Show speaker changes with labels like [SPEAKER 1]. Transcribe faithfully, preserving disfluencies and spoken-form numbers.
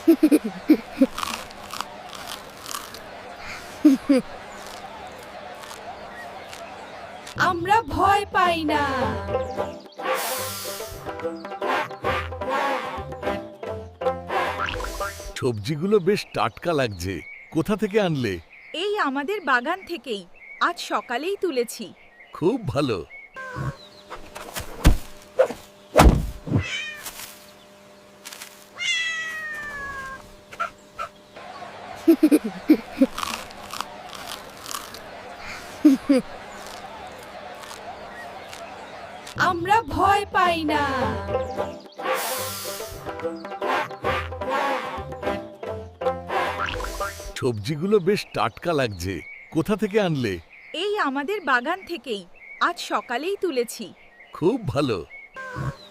[SPEAKER 1] আমরা ভয় পাই না।
[SPEAKER 2] সবজিগুলো বেশ টাটকা লাগছে। কোথা থেকে আনলে?
[SPEAKER 1] এই আমাদের বাগান থেকেই, আজ সকালেই তুলেছি।
[SPEAKER 2] খুব ভালো।
[SPEAKER 1] আমরা ভয় পাই না।
[SPEAKER 2] সবজিগুলো বেশ টাটকা লাগছে। কোথা থেকে আনলে?
[SPEAKER 1] এই আমাদের বাগান থেকেই, আজ সকালেই তুলেছি।
[SPEAKER 2] খুব ভালো।